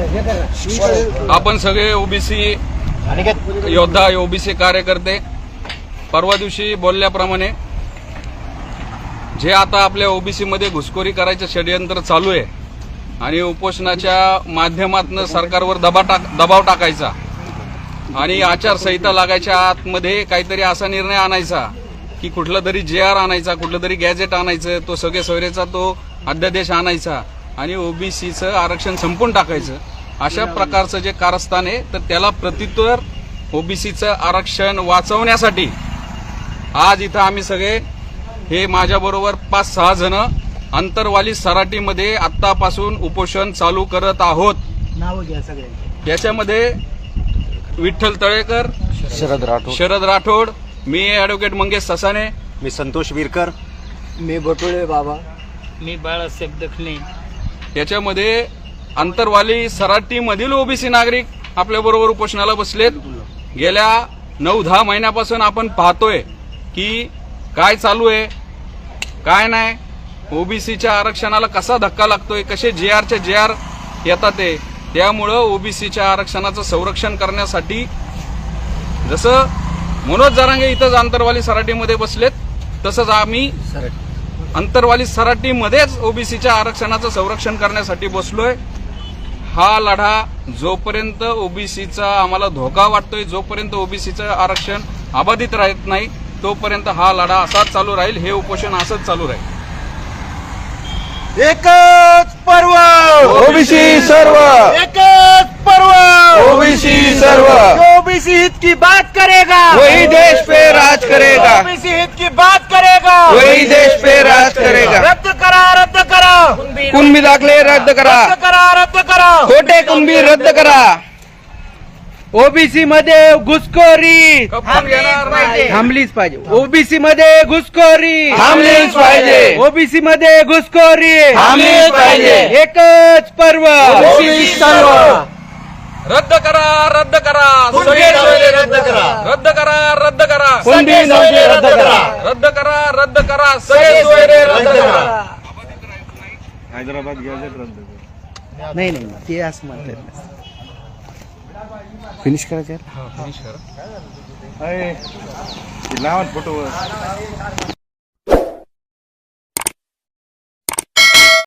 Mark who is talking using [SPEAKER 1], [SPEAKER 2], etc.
[SPEAKER 1] आपण सगळे ओबीसी योद्धा, ओबीसी कार्यकर्ते परवा दिवशी बोलल्याप्रमाणे जे आता आपल्या ओबीसी मध्ये घुसखोरी करायचं षडयंत्र चालू आहे आणि उपोषणाच्या माध्यमातून सरकारवर दबाव टाकायचा आणि आचारसंहिता लागायच्या आतमध्ये काहीतरी असा निर्णय आणायचा की कुठला तरी JR आणायचा, कुठलं तरी गॅजेट आणायचं, तो सगळे सोयरेचा तो अध्यादेश आणायचा आणि ओबीसीचं आरक्षण संपून टाकायचं. अशा प्रकारचं जे कारस्थान आहे तर त्याला प्रत्युत्तर ओबीसीचं आरक्षण वाचवण्यासाठी आज इथं आम्ही सगळे हे माझ्याबरोबर 5-6 जण अंतरवाली सराटीमध्ये आत्तापासून उपोषण चालू करत आहोत.
[SPEAKER 2] नाव घ्या सगळ्यांची.
[SPEAKER 1] याच्यामध्ये विठ्ठल तळेकर, शरद राठोड, मी ॲडव्होकेट मंगेश ससाने,
[SPEAKER 3] मी संतोष विरकर,
[SPEAKER 2] मी बटुळे बाबा,
[SPEAKER 4] मी बाळासाहेब दखणे.
[SPEAKER 1] याच्यामध्ये अंतरवाली सराटीमधील ओबीसी नागरिक आपल्याबरोबर उपोषणाला बसलेत. गेल्या 9-10 महिन्यापासून आपण पाहतोय की काय चालू आहे, काय नाही, ओबीसीच्या आरक्षणाला कसा धक्का लागतोय, कसे JR येतात ते. त्यामुळं ओबीसीच्या आरक्षणाचं संरक्षण करण्यासाठी जसं मनोज जरांगे इथंच अंतरवाली सराटीमध्ये बसलेत तसंच आम्ही अंतरवाली सराटीमध्येच ओबीसीच्या आरक्षणाचं संरक्षण करण्यासाठी बसलोय. हा लढा जोपर्यंत ओबीसीचा आम्हाला धोका वाटतोय, जोपर्यंत ओबीसीचं आरक्षण अबाधित राहत नाही तोपर्यंत हा लढा असाच चालू राहील, हे उपोषण असंच चालू राहील.
[SPEAKER 3] एकच पर्व ओबीसी सर्व, एकच पर्व ओबीसी सर्व.
[SPEAKER 2] ओबीसी हित की बात करेगा
[SPEAKER 3] वही देश पे राज करेगा,
[SPEAKER 2] ओबीसी हित की बात करेगा
[SPEAKER 3] वही देश पे राज करेगा.
[SPEAKER 2] रद्द करा, रद्द करा,
[SPEAKER 3] कुणबी दाखले रद्द करा,
[SPEAKER 2] रद्द करा, रद्द करा.
[SPEAKER 3] खोटे कुणबी रद्द करा.
[SPEAKER 2] ओबीसी मध्ये घुसखोरी
[SPEAKER 1] खपवून घेणार नाही.
[SPEAKER 2] थांबलीच पाहिजे. ओबीसी मध्ये घुसखोरी
[SPEAKER 3] थांबलीच पाहिजे,
[SPEAKER 2] ओबीसी मध्ये घुसखोरी
[SPEAKER 3] थांबलीच पाहिजे.
[SPEAKER 2] एकच पर्व
[SPEAKER 3] ओबीसी सर्व.
[SPEAKER 1] रद्द करा, रद्द करा,
[SPEAKER 3] कुणबी
[SPEAKER 1] सगळे
[SPEAKER 3] नोंदी रद्द करा,
[SPEAKER 1] रद्द करा, रद्द करा,
[SPEAKER 3] कुणबी नोंदी रद्द करा,
[SPEAKER 1] रद्द करा, रद्द करा, सगळे सोयरे रद्द करा.
[SPEAKER 3] हैदराबाद गॅजेट रद्द करा.
[SPEAKER 2] नाही नाही ते असं म्हणतात.
[SPEAKER 3] फिनिश करायचं
[SPEAKER 1] फिनिश करा.
[SPEAKER 3] लावा फोटोवर.